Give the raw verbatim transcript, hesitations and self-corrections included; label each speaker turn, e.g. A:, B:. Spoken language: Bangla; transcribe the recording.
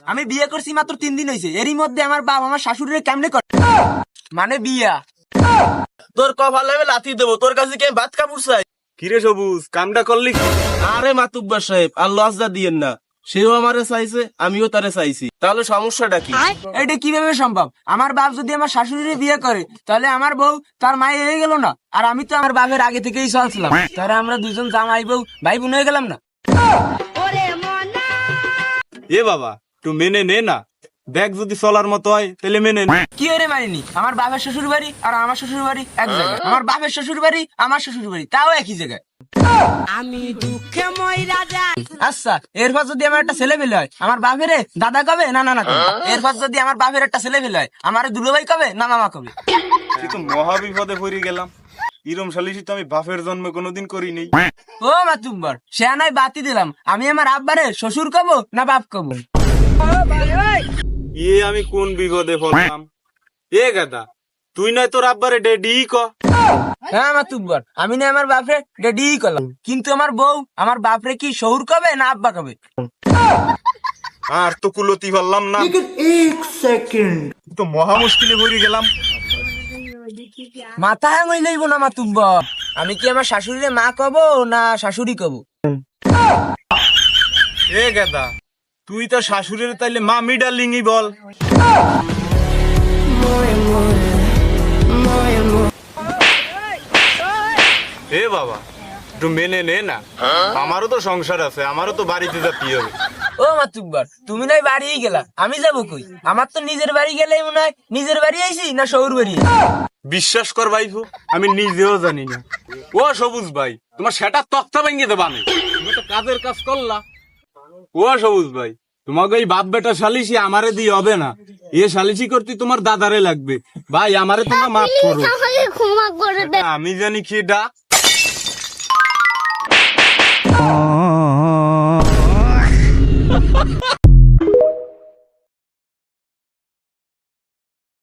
A: আমি বিয়ে করছি মাত্র তিন দিন হয়েছে, এরই মধ্যে আমার বাপ আমার শাশুড়িরে কেমনে করে মানে বিয়া।
B: তোর কপাল হবে লাথি দেবো, তোর কাছে কে ভাত কাপড় চাই?
C: কিরে সবুজ, কামটা করলি?
B: আরে মাতুব্বার সাহেব, আর লজ্জা দিয়েন না, সেও আমারে চাইছে আমিও তারে চাইছি, তাহলে সমস্যাটা কি?
A: এটা কিভাবে সম্ভব? আমার বাপ যদি আমার শাশুড়িরে বিয়ে করে তাহলে আমার বউ তার মায়ে হয়ে গেল না, আর আমি তো আমার বাপের আগে থেকেই চলছিলাম, তাহলে আমরা দুজন জামাই বউ ভাই বোন হয়ে গেলাম না?
C: এ বাবা, তুই মেনে নে না, দেখ যদি চলার মতো হয় তাহলে মেনে নে।
A: কি করে মানিনি? আমার বাপের শ্বশুর বাড়ি আর আমার শ্বশুর বাড়ি এক জায়গায়, আমার বাপের শ্বশুর বাড়ি আমার শ্বশুর বাড়ি তাও একই জায়গায়।
D: আমি দুঃখে মইরা যাই।
A: আচ্ছা, এরপর যদি আমার একটা ছেলে পেলে হয় আমার বাপের দাদা কবে না নানা কবে? এরপর যদি আমার বাপের একটা ছেলে পেলে হয় আমার দুলোভাই কবে না মামা কবে?
C: তুই তো মহা বিপদে পড়ে গেলাম। ইরম সালিশি তো আমি বাপের জন্মে কোনোদিন করি নেই।
A: ও মাতুব্বর, সে নয় বাতি দিলাম, আমি আমার আব্বারে শ্বশুর কব না বাপ কব?
C: এ আমি কোন বিপদে পড়লাম? এ গাদা, তুই নয় তোর আব্বারে ডেডি ক।
A: হ্যাঁ মাতুব্বর, আমি না আমার বাপরে ডেডি করলাম, কিন্তু আমার বউ আমার বাপরে কি শহুর কবে না আব্বা কবে?
C: আর তো কুলতি পারলাম না, তো মহা মুশকিলে পড়ে গেলাম।
A: মাথা হ্যাঁ লইব না মাতুব্বর, আমি কি আমার শাশুড়িরে মা কব না শাশুড়ি কব?
C: এ গাদা, তুই তো শাশুড়ির তাইলে মা মিডালিংই বল। এ বাবা, একটু মেনে নে না, আমারও তো সংসার আছে, আমারও তো বাড়িতে যেতে হবে।
A: ও মাতুব্বর, তুমি নয় বাড়িই গেলা, আমি যাবো কই? আমার তো নিজের বাড়ি গেলেই মনে হয় নিজের বাড়ি আইছি না শহুর বাড়ি?
C: বিশ্বাস কর ভাইফু, আমি নিজেও জানি না। ও সবুজ ভাই, তোমার সেটা তক্তা ভেঙে দেবা নেই, তুমি তো কাজের কাজ করলা। ও সবুজ ভাই, তোমাকে এই বাপ বেটা সালিশি আমারে দিয়ে হবে না, এ সালিশি করতে তোমার দাদারে লাগবে। ভাই আমারে তোমরা মাফ করো,
E: ক্ষমা করে দে।
C: আমি জানি কি ডাক।
E: Ha ha ha!